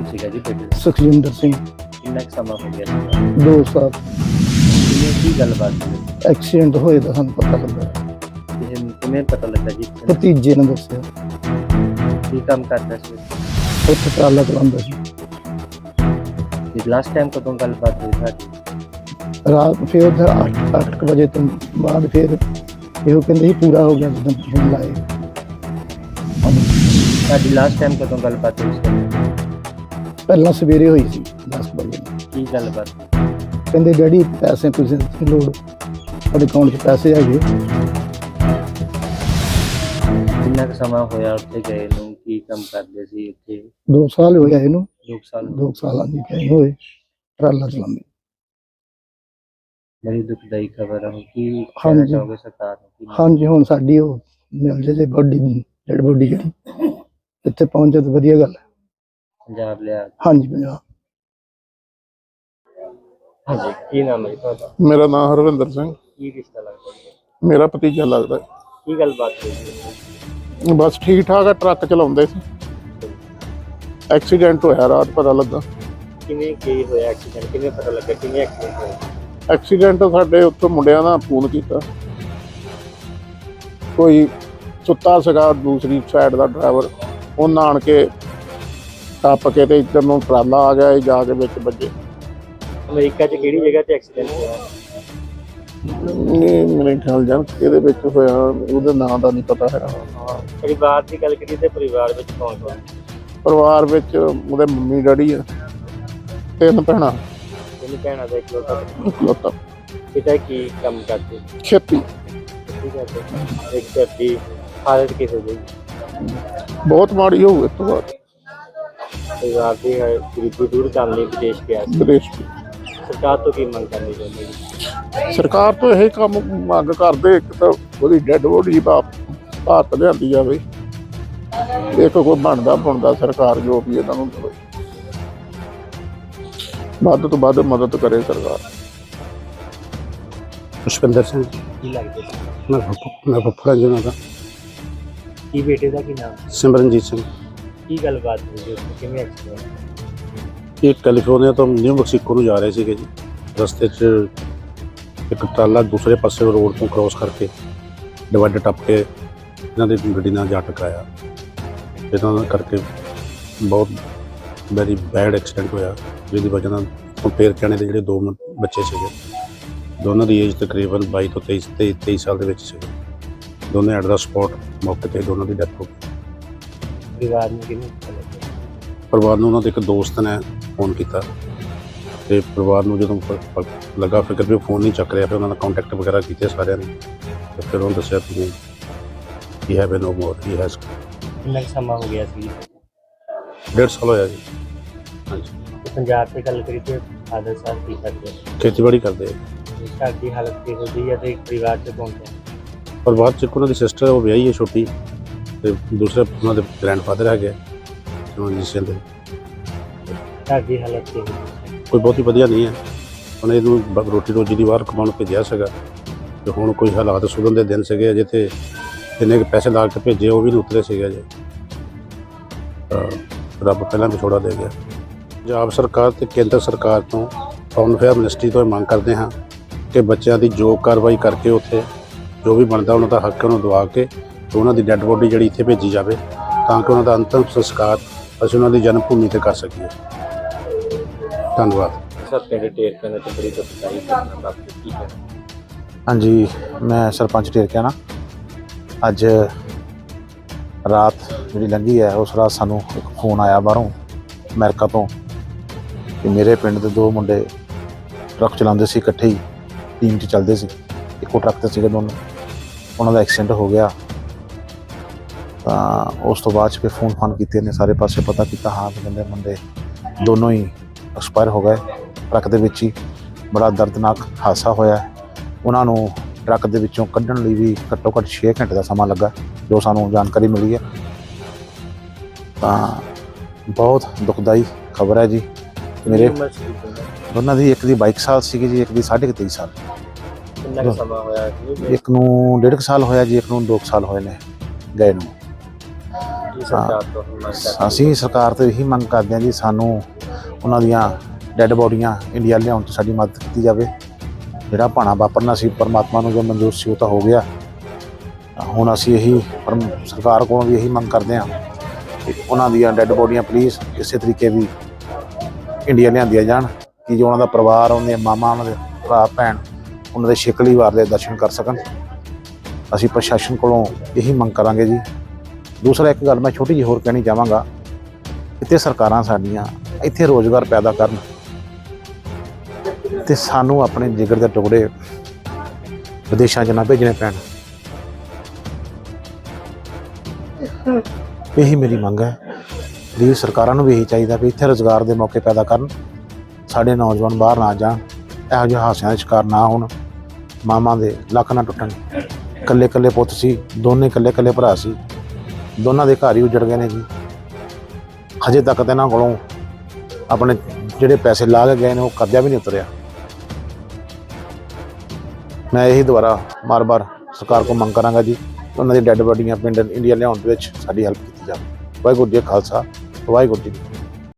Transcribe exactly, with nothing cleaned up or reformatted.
ਸੀਗਾ ਜੀ ਬੇਟੇ ਦਾ? ਸੁਖਜਿੰਦਰ ਸਿੰਘ। ਕਿੰਨਾ ਕੁ ਸਮਾਂ ਹੋ ਗਿਆ ਸੀਗਾ? ਦੋ ਸਾਲ। ਕਿਵੇਂ ਕੀ ਗੱਲਬਾਤ ਸੀ? ਐਕਸੀਡੈਂਟ ਹੋਏ ਦਾ ਸਾਨੂੰ ਪਤਾ ਲੱਗਾ, ਕਿਵੇਂ ਕਿਵੇਂ ਪਤਾ ਲੱਗਾ ਜੀ? ਭਤੀਜੇ ਨੇ ਦੱਸਿਆ। ਕੀ ਕੰਮ ਕਰਦਾ ਸੀ? ਉੱਥੇ ਟਰਾਲਾ ਚਲਾਉਂਦਾ ਸੀ। ਤੇ ਲਾਸਟ ਟਾਈਮ ਕਦੋਂ ਗੱਲਬਾਤ ਹੋਈ ਸਾਡੀ? ਰਾਤ ਫਿਰ ਉੱਧਰ ਅੱਠ ਅੱਠ ਕੁ ਵਜੇ ਤੋਂ ਬਾਅਦ ਫਿਰ ਇਹੋ ਕਹਿੰਦੇ ਸੀ ਪੂਰਾ ਹੋ ਗਿਆ ਜਦੋਂ ਫੋਨ ਲਾਏ। ਸਾਡੀ ਲਾਸਟ ਟਾਈਮ ਕਦੋਂ ਗੱਲਬਾਤ ਹੋਈ ਸੀ? ਪਹਿਲਾਂ ਸਵੇਰੇ ਹੋਈ ਸੀ ਦਸ ਵਜੇ। ਕੀ ਗੱਲਬਾਤ? ਕਹਿੰਦੇ ਡੈਡੀ ਪੈਸੇ ਤੁਸੀਂ ਦੀ ਲੋੜ, ਤੁਹਾਡੇ ਅਕਾਊਂਟ 'ਚ ਪੈਸੇ ਹੈਗੇ। ਕਿੰਨਾ ਕੁ ਸਮਾਂ ਹੋਇਆ ਉੱਥੇ ਗਏ ਨੂੰ? ਕੀ ਕੰਮ ਕਰਦੇ ਸੀ ਉੱਥੇ? ਦੋ ਸਾਲ ਹੋਇਆ ਇਹਨੂੰ। ਦੋ ਸਾਲ ਦੋ ਸਾਲਾਂ ਦੀ ਗਏ ਹੋਏ ਟਰਾਲਾ ਚਲਾਉਂਦੇ। ਬੜੀ ਦੁਖਦਾਈ ਖਬਰ ਹੈ। ਕੀ ਕਹਿਣਾ ਹਾਂਜੀ। ਚਾਹੋਗੇ ਸਰਕਾਰ ਨੂੰ? ਕੀ ਹਾਂਜੀ, ਹੁਣ ਸਾਡੀ ਉਹ ਮਿਲ ਜੇ ਬੋਡੀ, ਡੈਡ ਬੋਡੀ ਜਿਹੜੀ ਇੱਥੇ ਪਹੁੰਚ ਜਾਏ ਤਾਂ ਵਧੀਆ ਗੱਲ ਹੈ। ਪੰਜਾਬ ਲਿਆ? ਹਾਂਜੀ, ਪੰਜਾਬ। ਹਾਂਜੀ, ਕੀ ਨਾਮ ਹੈ ਜੀ ਤੁਹਾਡਾ? ਮੇਰਾ ਨਾਮ ਹਰਵਿੰਦਰ ਸਿੰਘ। ਕੀ ਰਿਸ਼ਤਾ ਲੱਗਦਾ ਜੀ? ਮੇਰਾ ਭਤੀਜਾ ਲੱਗਦਾ। ਕੀ ਗੱਲਬਾਤ ਹੋਈ ਸੀ? ਬਸ ਠੀਕ ਠਾਕ ਆ, ਟਰੱਕ ਚਲਾਉਂਦੇ ਸੀ, ਐਕਸੀਡੈਂਟ ਹੋਇਆ ਰਾਤ ਪਤਾ ਲੱਗਾ। ਕਿਵੇਂ ਕੀ ਹੋਇਆ ਐਕਸੀਡੈਂਟ? ਕਿਵੇਂ ਪਤਾ ਲੱਗਾ ਕਿਵੇਂ ਐਕਸੀਡੈਂਟ ਹੋਇਆ? ਐਕਸੀਡੈਂਟ ਸਾਡੇ ਉੱਥੋਂ ਮੁੰਡਿਆਂ ਦਾ ਫੋਨ ਕੀਤਾ, ਕੋਈ ਸੁੱਤਾ ਸੀਗਾ ਦੂਸਰੀ ਸਾਈਡ ਦਾ ਡਰਾਈਵਰ, ਉਹਨਾਂ ਆਣ ਕੇ ਟੱਪ ਕੇ ਤੇ ਇੱਧਰ ਨੂੰ ਟਰਾਲਾ ਆ ਗਿਆ, ਇਹ ਜਾ ਕੇ ਵਿੱਚ ਵੱਜੇ। ਅਮਰੀਕਾ 'ਚ ਕਿਹੜੀ ਜਗ੍ਹਾ ਤੇ ਐਕਸੀਡੈਂਟ ਹੋਇਆ? ਇਹ ਮੇਰੇ ਖਿਆਲ ਜਾਨ ਇਹਦੇ ਵਿੱਚ ਹੋਇਆ, ਉਹਦੇ ਨਾਂ ਦਾ ਨਹੀਂ ਪਤਾ ਹੈਗਾ। ਪਰਿਵਾਰ ਦੀ ਗੱਲ ਕਰੀਏ ਤੇ ਪਰਿਵਾਰ ਵਿੱਚ ਕੌਣ ਕੌਣ? ਪਰਿਵਾਰ ਵਿੱਚ ਉਹਦੇ ਮੰਮੀ ਡੈਡੀ ਆ, ਤਿੰਨ ਭੈਣਾਂ, ਤਿੰਨ ਭੈਣਾਂ ਦਾ ਇਕਲੌਤਾ ਇਕਲੌਤਾ। ਪਿਤਾ ਕੀ ਕੰਮ ਕਰਦੇ? ਖੇਤੀ। ਕੀ ਕਰਦੇ? ਇੱਕ ਘਰ ਦੀ ਹਾਲਤ ਕਿਹੋ ਜਿਹੀ? ਬਹੁਤ ਮਾੜੀ ਹੋਊ ਇਸ ਤੋਂ ਬਾਅਦ। ਪਰਿਵਾਰ ਦੀ ਗਰੀਬੀ ਦੂਰ ਕਰਨ ਲਈ ਵਿਦੇਸ਼ ਗਿਆ ਸੀ। ਵਿਦੇਸ਼ ਦੀ ਸਰਕਾਰ ਤੋਂ ਕੀ ਮੰਗ ਕਰਨੀ ਚਾਹੁੰਦੇ ਜੀ? ਸਰਕਾਰ ਤੋਂ ਇਹ ਕੰਮ ਮੰਗ ਕਰਦੇ, ਇੱਕ ਤਾਂ ਉਹਦੀ ਡੈਡ ਬੋਡੀ ਭਾਰਤ ਲਿਆਂਦੀ ਜਾਵੇ, ਇੱਕ ਕੋਈ ਬਣਦਾ ਬਣਦਾ ਸਰਕਾਰ ਜੋ ਵੀ ਇਹਨਾਂ ਨੂੰ ਦੇਵੇ, ਵੱਧ ਤੋਂ ਵੱਧ ਮਦਦ ਕਰੇ ਸਰਕਾਰ। ਪੁਸ਼ਪਿੰਦਰ ਸਿੰਘ। ਕੀ ਲੱਗਦੇ ਸੀ? ਮੈਂ ਫੁੱਫ- ਮੈਂ ਫੁੱਫੜਾ ਜੀ ਉਹਨਾਂ ਦਾ। ਕੀ ਬੇਟੇ ਦਾ ਕੀ ਨਾਮ? ਸਿਮਰਨਜੀਤ ਸਿੰਘ। ਕੀ ਗੱਲਬਾਤ ਹੋਈ ਜੀ ਉੱਥੇ? ਕਿਵੇਂ ਐਕਸੀਡੈਂਟ? ਇਹ ਕੈਲੀਫੋਰਨੀਆ ਤੋਂ ਨਿਊ ਮੈਕਸੀਕੋ ਨੂੰ ਜਾ ਰਹੇ ਸੀਗੇ ਜੀ। ਰਸਤੇ 'ਚ ਇੱਕ ਟਰਾਲਾ ਦੂਸਰੇ ਪਾਸੇ ਰੋਡ ਤੋਂ ਕ੍ਰੋਸ ਕਰਕੇ ਡਿਵਾਈਡਰ ਟੱਪ ਕੇ ਇਹਨਾਂ ਦੀ ਗੱਡੀ ਨਾਲ ਜਾ ਟਕਰਾਇਆ। ਇਹਨਾਂ ਕਰਕੇ ਬਹੁਤ ਵੈਰੀ ਬੈਡ ਐਕਸੀਡੈਂਟ ਹੋਇਆ, ਜਿਹਦੀ ਵਜ੍ਹਾ ਨਾਲ ਕੰਪੇਅਰ ਕਰਨੇ ਦੇ ਜਿਹੜੇ ਦੋ ਮ- ਬੱਚੇ ਸੀਗੇ, ਦੋਨਾਂ ਦੀ ਏਜ ਤਕਰੀਬਨ ਬਾਈ ਤੋਂ ਤੇਈ ਤੇਈ ਤੇਈ ਸਾਲ ਦੇ ਵਿੱਚ ਸੀਗੇ। ਦੋਨੇ ਐਟ ਦਾ ਸਪੌਟ ਮੌਕੇ 'ਤੇ ਦੋਨਾਂ ਦੀ ਡੈਥ ਹੋ ਗਈ। ਪਰਿਵਾਰ ਨੂੰ ਕਿਵੇਂ ਪਤਾ ਲੱਗਿਆ? ਪਰਿਵਾਰ ਨੂੰ ਉਹਨਾਂ ਦੇ ਇੱਕ ਦੋਸਤ ਨੇ ਫੋਨ ਕੀਤਾ ਤੇ ਪਰਿਵਾਰ ਨੂੰ ਜਦੋਂ ਪ- ਪ- ਲੱਗਾ ਫਿਕਰ ਵੀ ਉਹ ਫੋਨ ਨਹੀਂ ਚੱਕ ਰਿਹਾ, ਫਿਰ ਉਹਨਾਂ ਨਾਲ ਕੰਟੈਕਟ ਵਗੈਰਾ ਕੀਤੇ ਸਾਰਿਆਂ ਨੇ, ਤੇ ਫਿਰ ਉਹਨੂੰ ਦੱਸਿਆ ਕਿ he have no more, he has. ਕਿੰਨਾ ਕੁ ਸਮਾਂ ਹੋ ਗਿਆ ਸੀ? ਡੇਢ ਸਾਲ ਹੋਇਆ ਜੀ। ਹਾਂਜੀ, ਤੇ ਪੰਜਾਬ 'ਤੇ ਗੱਲ ਕਰੀਏ ਤੇ ਫਾਦਰ ਸਾਹਿਬ ਕੀ ਕਰਦੇ? ਖੇਤੀਬਾੜੀ ਕਰਦੇ ਆ। ਤੇ ਘਰ ਦੀ ਹਾਲਤ ਕਿਹੋ ਜਿਹੀ ਹੈ ਤੇ ਪਰਿਵਾਰ 'ਚ ਕੌਣ ਕੌਣ? ਪਰਿਵਾਰ 'ਚ ਇੱਕ ਉਹਨਾਂ ਦੀ ਸਿਸਟਰ ਉਹ ਵਿਆਹੀ ਹੈ ਛੋਟੀ, ਤੇ ਦੂਸਰੇ ਉਹਨਾਂ ਦੇ ਗ੍ਰੈਂਡਫਾਦਰ ਹੈਗੇ ਸਿਮਰਨਜੀਤ ਸਿੰਘ ਦੇ। ਘਰ ਦੀ ਹਾਲਤ ਕਿਹੋ ਜਿਹੀ ਹੈ? ਕੋਈ ਬਹੁਤੀ ਵਧੀਆ ਨਹੀਂ ਹੈ। ਹੁਣ ਇਹਨੂੰ ਬ- ਰੋਟੀ ਰੋਜੀ ਦੀ ਬਾਹਰ ਕਮਾਉਣ ਭੇਜਿਆ ਸੀਗਾ, ਤੇ ਹੁਣ ਕੋਈ ਹਾਲਾਤ ਸੁਧਰਨ ਦੇ ਦਿਨ ਸੀਗੇ ਅਜੇ, ਤੇ ਇੰਨੇ ਕੁ ਪੈਸੇ ਲਾ ਕੇ ਭੇਜੇ ਉਹ ਵੀ ਨਹੀਂ ਉਤਰੇ ਸੀਗੇ ਅਜੇ। ਤਾਂ ਰੱਬ ਪਹਿਲਾਂ ਵਿਛੋੜਾ ਦੇ ਗਿਆ। ਪੰਜਾਬ ਸਰਕਾਰ ਤੇ ਕੇਂਦਰ ਸਰਕਾਰ ਤੋਂ, ਫੋਰਨ ਅਫੇਅਰ ਮਿਨਿਸਟਰੀ ਤੋਂ ਇਹ ਮੰਗ ਕਰਦੇ ਹਾਂ ਕਿ ਬੱਚਿਆਂ ਦੀ ਜੋ ਕਾਰਵਾਈ ਕਰਕੇ ਉੱਥੇ ਜੋ ਵੀ ਬਣਦਾ ਉਹਨਾਂ ਦਾ ਹੱਕ ਉਹਨੂੰ ਦਵਾ ਕੇ ਤੇ ਉਹਨਾਂ ਦੀ ਡੈੱਡ ਬੋਡੀ ਜਿਹੜੀ ਇੱਥੇ ਭੇਜੀ ਜਾਵੇ, ਤਾਂ ਕਿ ਉਹਨਾਂ ਦਾ ਅੰਤਿਮ ਸੰਸਕਾਰ ਅਸੀਂ ਉਹਨਾਂ ਦੀ ਜਨਮ ਭੂਮੀ 'ਤੇ ਕਰ ਸਕੀਏ। ਧੰਨਵਾਦ। ਸਰ ਪਿੰਡ ਢੇਰਕਿਆਂ ਤੇ ਬੜੀ ਦੁਖਦਾਈ ਘਟਨਾ ਵਾਪਰੀ, ਕੀ ਹੈ? ਹਾਂਜੀ, ਮੈਂ ਸਰਪੰਚ ਢੇਰਕਿਆਣਾ। ਅੱਜ ਰਾਤ ਜਿਹੜੀ ਲੰਘੀ ਹੈ, ਉਸ ਰਾਤ ਸਾਨੂੰ ਇੱਕ ਫੋਨ ਆਇਆ ਬਾਹਰੋਂ ਅਮਰੀਕਾ ਤੋਂ ਕਿ ਮੇਰੇ ਪਿੰਡ ਦੇ ਦੋ ਮੁੰਡੇ ਟਰੱਕ ਚਲਾਉਂਦੇ ਸੀ, ਇਕੱਠੇ ਹੀ ਟੀਮ 'ਚ ਚੱਲਦੇ ਸੀ, ਇੱਕੋ ਟਰੱਕ 'ਤੇ ਸੀਗੇ ਦੋਨੋਂ, ਉਹਨਾਂ ਦਾ ਐਕਸੀਡੈਂਟ ਹੋ ਗਿਆ। ਤਾਂ ਉਸ ਤੋਂ ਬਾਅਦ 'ਚ ਫਿਰ ਫੋਨ ਫਾਨ ਕੀਤੇ ਨੇ, ਸਾਰੇ ਪਾਸੇ ਪਤਾ ਕੀਤਾ, ਹਾਂ ਵੀ ਕਹਿੰਦੇ ਮੁੰਡੇ ਦੋਨੋਂ ਹੀ ਐਕਸਪਾਇਰ ਹੋ ਗਏ ਟਰੱਕ ਦੇ ਵਿੱਚ ਹੀ। ਬੜਾ ਦਰਦਨਾਕ ਹਾਦਸਾ ਹੋਇਆ। ਉਹਨਾਂ ਨੂੰ ਟਰੱਕ ਦੇ ਵਿੱਚੋਂ ਕੱਢਣ ਲਈ ਵੀ ਘੱਟੋ ਘੱਟ ਛੇ ਘੰਟੇ ਦਾ ਸਮਾਂ ਲੱਗਾ, ਜੋ ਸਾਨੂੰ ਜਾਣਕਾਰੀ ਮਿਲੀ ਹੈ। ਤਾਂ ਬਹੁਤ ਦੁਖਦਾਈ ਖਬਰ ਹੈ ਜੀ। ਮੇਰੇ ਦੋਨਾਂ ਦੀ, ਇੱਕ ਦੀ ਬਾਈ ਸਾਲ ਸੀਗੀ ਜੀ, ਇੱਕ ਦੀ ਸਾਢੇ ਕੁ ਤੇਈ ਸਾਲ। ਕਿੰਨਾ ਕੁ ਸਮਾਂ ਹੋਇਆ? ਇੱਕ ਨੂੰ ਡੇਢ ਕੁ ਸਾਲ ਹੋਇਆ ਜੀ, ਇੱਕ ਨੂੰ ਦੋ ਕੁ ਸਾਲ ਹੋਏ ਨੇ ਗਏ ਨੂੰ। ਕੀ ਸਰਕਾਰ ਤੋਂ ਮੰਗ ਕਰਦੇ ਅਸੀਂ ਸਰਕਾਰ ਤੋਂ ਇਹੀ ਮੰਗ ਕਰਦੇ ਹਾਂ ਜੀ, ਸਾਨੂੰ ਉਹਨਾਂ ਦੀਆਂ ਡੈੱਡ ਬੋਡੀਆਂ ਇੰਡੀਆ ਲਿਆਉਣ 'ਚ ਸਾਡੀ ਮਦਦ ਕੀਤੀ ਜਾਵੇ। ਜਿਹੜਾ ਭਾਣਾ ਵਾਪਰਨਾ ਸੀ ਪਰਮਾਤਮਾ ਨੂੰ ਜੋ ਮਨਜ਼ੂਰ ਸੀ ਉਹ ਤਾਂ ਹੋ ਗਿਆ। ਹੁਣ ਅਸੀਂ ਇਹੀ ਪਰਮ ਸਰਕਾਰ ਕੋਲੋਂ ਵੀ ਇਹੀ ਮੰਗ ਕਰਦੇ ਹਾਂ ਕਿ ਉਹਨਾਂ ਦੀਆਂ ਡੈੱਡ ਬੋਡੀਆਂ ਪਲੀਜ਼ ਇਸੇ ਤਰੀਕੇ ਵੀ ਇੰਡੀਆ ਲਿਆਂਦੀਆਂ ਜਾਣ ਕਿ ਜੋ ਉਹਨਾਂ ਦਾ ਪਰਿਵਾਰ, ਉਹਨਾਂ ਦੀਆਂ ਮਾਵਾਂ, ਉਹਨਾਂ ਦੇ ਭਰਾ ਭੈਣ ਉਹਨਾਂ ਦੇ ਸ਼ਿਕਲੀ ਵਾਰ ਦੇ ਦਰਸ਼ਨ ਕਰ ਸਕਣ। ਅਸੀਂ ਪ੍ਰਸ਼ਾਸਨ ਕੋਲੋਂ ਇਹੀ ਮੰਗ ਕਰਾਂਗੇ ਜੀ। ਦੂਸਰਾ ਇੱਕ ਗੱਲ ਮੈਂ ਛੋਟੀ ਜਿਹੀ ਹੋਰ ਕਹਿਣੀ ਚਾਹਾਂਗਾ, ਇੱਥੇ ਸਰਕਾਰਾਂ ਸਾਡੀਆਂ ਇੱਥੇ ਰੋਜ਼ਗਾਰ ਪੈਦਾ ਕਰਨ ਤੇ ਸਾਨੂੰ ਆਪਣੇ ਜਿਗਰ ਦੇ ਟੁਕੜੇ ਵਿਦੇਸ਼ਾਂ 'ਚ ਨਾ ਭੇਜਣੇ ਪੈਣ। ਇਹੀ ਮੇਰੀ ਮੰਗ ਹੈ। ਪਲੀਜ਼ ਸਰਕਾਰਾਂ ਨੂੰ ਵੀ ਇਹੀ ਚਾਹੀਦਾ ਵੀ ਇੱਥੇ ਰੁਜ਼ਗਾਰ ਦੇ ਮੌਕੇ ਪੈਦਾ ਕਰਨ, ਸਾਡੇ ਨੌਜਵਾਨ ਬਾਹਰ ਨਾ ਜਾਣ, ਇਹੋ ਜਿਹੇ ਹਾਦਸਿਆਂ ਦਾ ਸ਼ਿਕਾਰ ਨਾ ਹੋਣ, ਮਾਵਾਂ ਦੇ ਲੱਕ ਨਾ ਟੁੱਟਣ। ਇਕੱਲੇ ਇਕੱਲੇ ਪੁੱਤ ਸੀ, ਦੋਨੇ ਇਕੱਲੇ ਇਕੱਲੇ ਭਰਾ ਸੀ, ਦੋਨਾਂ ਦੇ ਘਰ ਹੀ ਉਜੜ ਗਏ ਨੇ ਜੀ। ਹਜੇ ਤੱਕ ਤਾਂ ਇਹਨਾਂ ਕੋਲੋਂ ਆਪਣੇ ਜਿਹੜੇ ਪੈਸੇ ਲਾ ਕੇ ਗਏ ਨੇ ਉਹ ਕਰਜ਼ਾ ਵੀ ਨਹੀਂ ਉਤਰਿਆ। ਮੈਂ ਇਹੀ ਦੁਬਾਰਾ ਬਾਰ-ਬਾਰ ਸਰਕਾਰ ਕੋਲ ਮੰਗ ਕਰਾਂਗਾ ਜੀ, ਉਹਨਾਂ ਦੀ ਡੈੱਡ ਬੋਡੀਆਂ ਪਿੰਡ ਇੰਡੀਆ ਲਿਆਉਣ ਦੇ ਵਿੱਚ ਸਾਡੀ ਹੈਲਪ ਕੀਤੀ ਜਾਵੇ। ਵਾਹਿਗੁਰੂ ਜੀ ਕਾ ਖਾਲਸਾ, ਵਾਹਿਗੁਰੂ ਜੀ ਕੀ ਫਤਿਹ।